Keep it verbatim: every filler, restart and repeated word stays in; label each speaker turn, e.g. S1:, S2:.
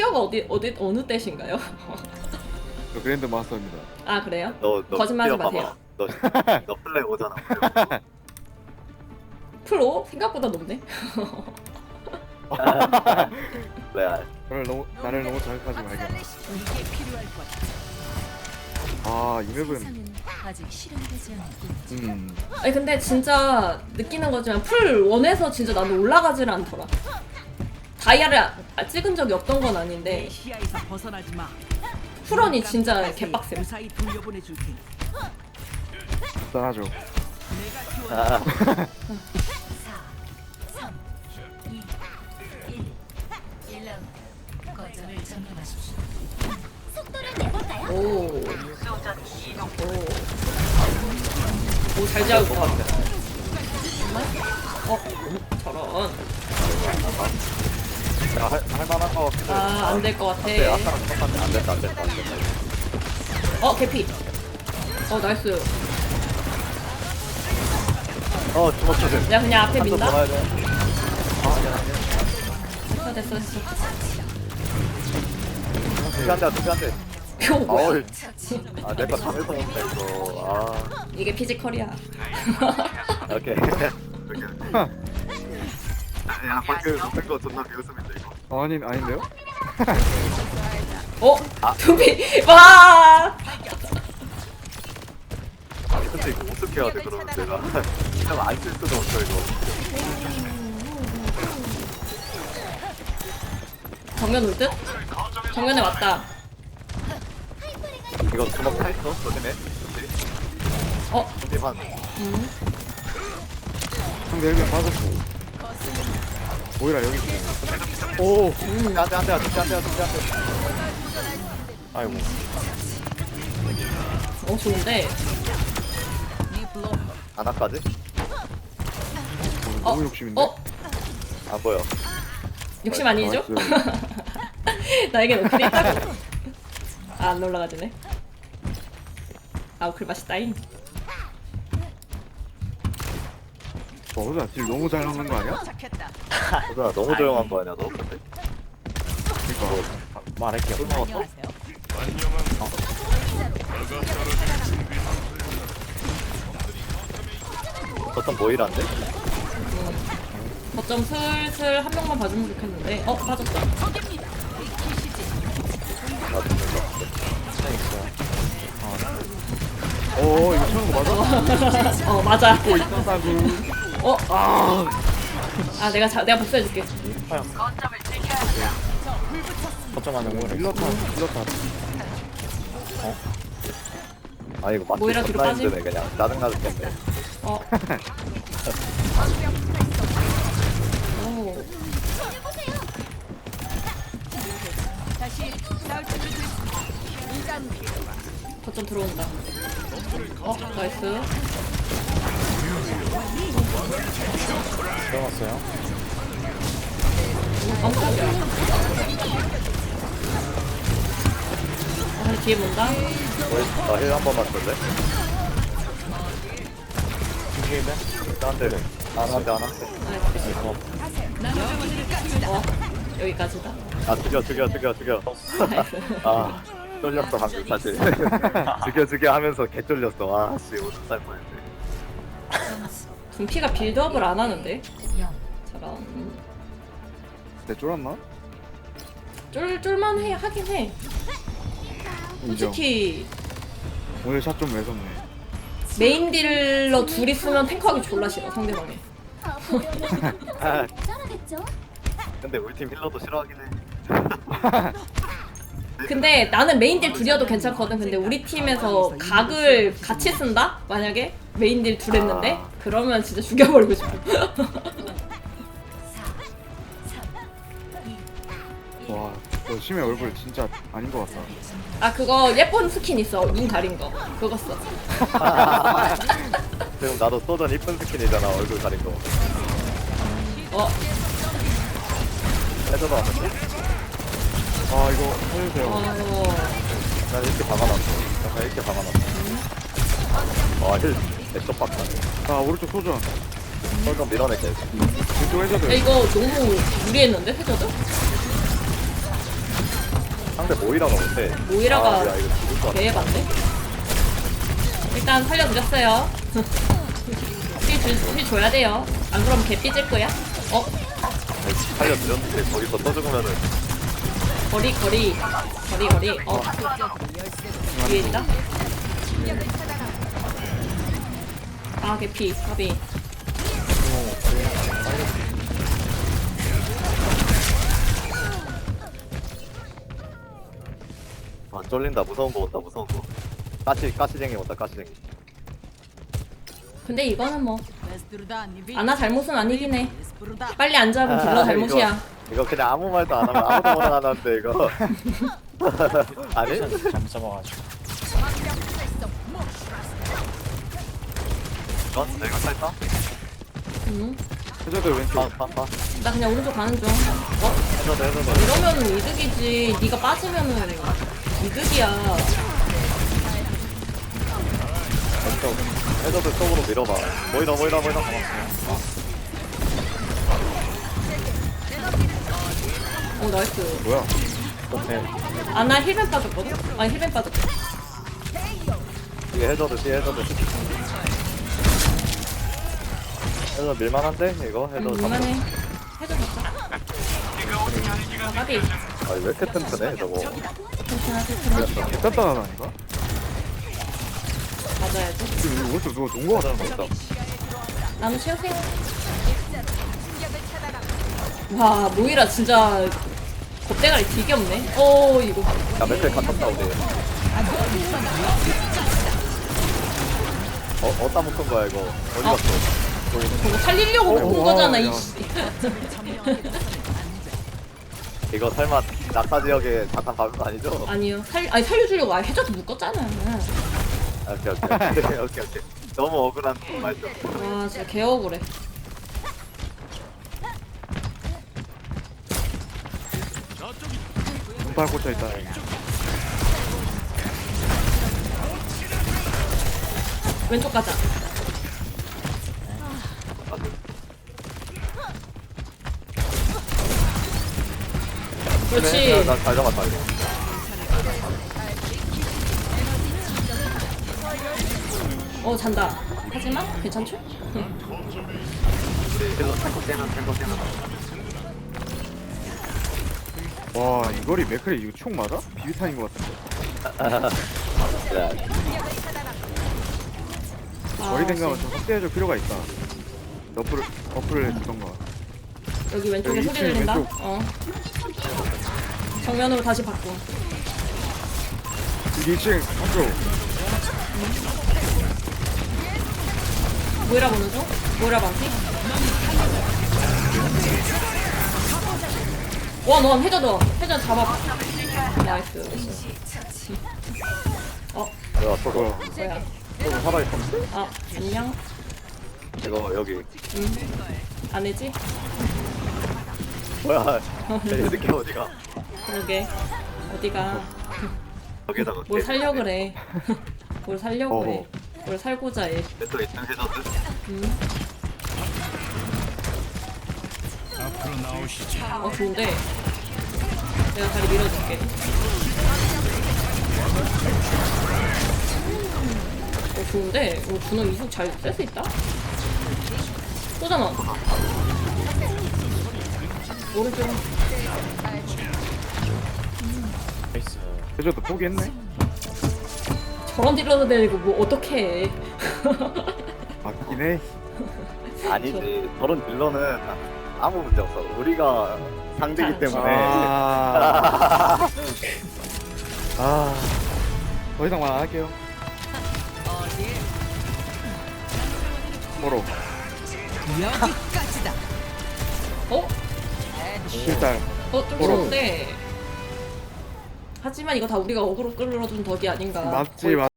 S1: 티어가 어디 어디 어느 때신가요?
S2: 저 그랜드 마스터입니다.
S1: 아 그래요?
S3: 너, 너
S1: 거짓말하지
S3: 뛰어봐봐.
S1: 마세요.
S3: 너, 너 플레이 오잖아.
S1: 프로 생각보다 높네.
S3: 레알.
S2: 나를 너무 나를 너무 자극하지 말게.
S4: 이게 필요할 거다.
S2: 아, 이 맵은
S4: 세상은 아직 실현되지 않았군.
S2: 음.
S1: 아니 근데 진짜 느끼는 거지만 풀 원에서 진짜 나는 올라가질 않더라. 다이아를 아- 찍은 적이 없던 건 아닌데
S4: 시야에서 벗어나지 마.
S1: 풀원이 진짜 개빡셈.
S4: 무사히 돌려보내 줄 테니.
S2: 짠하죠.
S4: 내가 키워.
S3: 아,
S4: 거점을 점령하십시오.
S1: 오. 오. 잘 잡았다. 어, 저런.
S3: 야, 할, 할만한 거.
S1: 아, 안 될 것 같아.
S3: 네, 아까랑 똑같네. 안 됐다, 안 됐다, 안 됐다.
S1: 어, 개피. 어, 나이스.
S3: 어, 주먹
S1: 내가 그냥 앞에
S3: 한점
S1: 민다?
S3: 돌아야 돼. 아, 아니야, 아니야.
S1: 됐어, 됐어, 됐어.
S3: 투피한대, 투피한대.
S1: 이거 뭐야?
S3: 어이. 아, 내거 담에서 먹는다, 이거. 아,
S1: 이게 피지컬이야.
S3: 오케이. 야, 방금 웃은 거 존나 비웃음인데, 이거.
S2: 아니 아닌데요?
S1: 어?
S3: 아.
S1: 두비. 와!
S3: 아, 근데 이거 어떻게 해야 돼, 그러면 내가. 그냥 안쓸 수도 없어, 이거.
S1: 정면 올 듯? 정면에 왔다.
S3: 이거 주먹 타있어? 조심해.
S1: 어?
S3: 조심 한.
S1: 음.
S2: 상대 일면 빠졌고. 오히려 여기 있어.
S3: 오! 안 돼, 안 돼, 안 돼, 안 돼, 안 돼, 안 돼. 아이고.
S1: 어, 좋은데.
S3: 하나까지?
S2: 너무 욕심인데.
S1: 어?
S3: 안 보여.
S1: 욕심 아니죠?
S2: 나이스.
S1: 나에게 노클이 있다고. 아, 안 올라가지네. 아, 노클 맛있다잉.
S2: 와, 호자 딜 너무 잘 넣는 거 아니야?
S4: 착했다.
S3: 호준아, 너무 조용한 거 아니야, 너? 근데?
S2: 그러니까
S3: 말할게요. 술 먹었어?
S4: 안녕하세요.
S3: 어떤 모이란데?
S1: 거점 슬슬 한 명만 봐주면 좋겠는데. 어, 빠졌다.
S3: 나도 몰라.
S2: 어, 이거 처음 거 맞아?
S1: 어, 맞아.
S2: 또 있다고.
S1: 어? 아, 내가 자, 내가 복수해줄게.
S3: 걱정 안 하고.
S2: 일러타, 일러타.
S3: 아, 이거 맞지?
S1: 모이라 뒤로
S3: 존나
S1: 빠짐?
S3: 힘드네, 그냥. 짜증나 죽겠네.
S1: 어. 오.
S4: 다시 싸울 준비 됐.
S1: 거점 들어온다. 어, 나이스.
S3: 들어갔어요?
S1: 깜짝이야. 아, 뒤에 본다.
S3: 나힐 한 번만 줄래? 힐은? 안 돼. 안 한대, 안 한대.
S1: 어, 여기까지다.
S3: 아, 죽여, 죽여, 죽여, 죽여.
S1: 나이스.
S3: 아, 쫄렸어, 방금 사실. 죽여, 죽여 하면서 개 쫄렸어. 아, 씨, 오줌 쌀 뻔했네.
S1: 둠피가 빌드업을 안 하는데? 저런.
S2: 내 쫄았나?
S1: 쫄, 쫄만해, 하긴 해.
S2: 인정.
S1: 솔직히,
S2: 오늘 샷 좀 매섭네.
S1: 메인 딜러 둘이 쓰면 탱커하기 졸라 싫어, 상대방이.
S3: 아, 근데 우리 팀 힐러도 싫어하긴 해.
S1: 근데 나는 메인 딜 둘이어도 괜찮거든. 근데 우리 팀에서 각을 같이 쓴다? 만약에? 메인 딜 둘 했는데?
S3: 아.
S1: 그러면 진짜 죽여버리고 싶어.
S2: 와, 너 심해 얼굴 진짜 아닌 것 같다.
S1: 아, 그거 예쁜 스킨 있어. 눈 가린 거. 그거 써.
S3: 지금 나도 쏘던 이쁜 스킨이잖아, 얼굴 가린 거.
S1: 어,
S3: 해줘도 안 돼?
S2: 아, 이거 살려주세요.
S1: 어.
S3: 난 이렇게 박아놨어. 약간 이렇게 박아놨어. 아, 힐, 내쪽 박다.
S2: 아, 오른쪽 소전.
S3: 설좀 밀어낼게.
S2: 왼쪽
S1: 야,
S2: 해저드.
S1: 이거 너무 무리했는데? 해저드?
S3: 상대 모이라가 못해.
S1: 모이라가
S3: 아, 야, 이거 죽을 것 같아.
S1: 개해봤네. 일단 살려드렸어요. 힐, 줄, 힐 줘야 돼요. 안 그러면 개 삐질 거야. 어?
S3: 살려드렸는데 거기서 또 죽으면은
S1: 거리 거리 거리 거리. 어? 위에 있다. 아 개피 가비.
S3: 아 쫄린다. 무서운 거 온다. 무서운 거. 가시 가시쟁이 온다. 가시쟁이.
S1: 근데 이거는 뭐
S4: Desdruda, Nivi.
S1: 아나 잘못은 아니긴 해.
S4: Desdruda.
S1: 빨리 안 잡으면 딜러 잘못이야.
S3: 이거, 이거 그냥 아무 말도 안 하면 아무도 뭐라 안 하는데 이거. 아니?
S5: 잘못 잡아가지고.
S3: 넌 내가 살까?
S1: 응?
S2: 해저드 왼쪽.
S3: 파파파.
S1: 나 그냥 오른쪽 가는 중. 어?
S3: 해줘도 해줘도.
S1: 이러면은 이득이지. 네가 빠지면은 이득이야.
S3: 왼쪽. 해줘도 쪽으로 밀어봐. 모이라 모이라 모이라.
S1: 어 나이스.
S2: 뭐야?
S1: 아나 힐맨 빠졌거든? 아니 힐맨 빠졌어.
S3: 뒤에 해줘도 뒤에 해줘도. 해줘 밀만한데 이거 해줘.
S1: 응, 이만해. 해줘 잡자. 아 가비.
S3: 아니 왜 이렇게 튼튼해 저거.
S1: 괜찮아 괜찮아.
S2: 개단단하다니까?
S1: 맞아야지.
S2: 지금 오른쪽 누가 놓은 거 같아.
S3: 맞다.
S1: 나는 최생. 와 모이라 진짜 겁대가리 되게 없네. 어 이거.
S3: 야 멘트 갇혔다 우리. 어 어디다 묶은 거야 이거. 어디
S1: 어.
S3: 갔어?
S1: 저거 살리려고
S2: 어,
S1: 본
S2: 와,
S1: 거잖아
S2: 야.
S1: 이씨.
S3: 이거 설마 낙타 지역에 잠깐 밟은 거 아니죠?
S1: 아니요. 살 아니 살려주려고 아예 해줘도 묶었잖아.
S3: 아, 오케이 오케이 오케이 오케이 오케이. 너무 억울한 말씀.
S1: 와 진짜 개 억울해.
S2: 눈발 꽂혀 있다.
S1: 왼쪽 가자. 그렇지.
S3: 나잘 잡았다 이거.
S1: 어 잔다. 하지만 괜찮죠?
S3: 힐러 탱커 깨는 탱커 깨는.
S2: 와, 이 거리 맥크리 이거 총 맞아? 비비탄인 것 같은데.
S3: 야
S2: 거리 생각은
S1: 씨.
S2: 좀 확대해줄 필요가 있다. 너프를, 어플을 해주던가.
S1: 여기 왼쪽에
S2: 여기
S1: 소리
S2: 이 층
S1: 들린다.
S2: 왼쪽.
S1: 어. 정면으로 다시 바꿔.
S2: 여기 이 층 한쪽.
S1: 모이라 보는 중. 모이라 반피. 와, 너 해줘 너. 해줘 잡아. 나이스. 어,
S3: 뭐야 저거
S2: 뭐야.
S1: 뭐야?
S3: 저거 살아있어.
S1: 아, 안녕.
S3: 이거 여기
S1: 응. 안 해지?
S3: 뭐야? 이 새끼 어디가?
S1: 그러게. 어디가?
S3: 여기다가
S1: 뭘 살려 그래. 뭘 살려고 해.
S2: 어허.
S1: 뭘 살고자 해.
S3: 또 있는 해저드.
S1: 응. 어, 좋은데. 내가 다리 밀어줄게. 어, 좋은데? 어, 준호 이속 잘 쓸 수 있다? 쏘잖아. 오른쪽.
S5: 나이스.
S2: 해저드 포기했네.
S1: 저런 딜러도 되고 뭐 어떡해. 해.
S2: 맞긴 해.
S3: 아니지. 저런 딜러는 아무 문제 없어. 우리가 상대기 때문에.
S2: 아. 아. 더 이상 말 안 할게요.
S4: 어딜?
S2: 뭐로?
S4: 여기까지다.
S1: 어?
S2: 실달.
S1: 어, 좀
S2: 뭐라고?
S1: 좋은데. 하지만 이거 다 우리가 어그로 끌어준 덕이 아닌가.
S2: 맞지,
S1: 거의
S2: 맞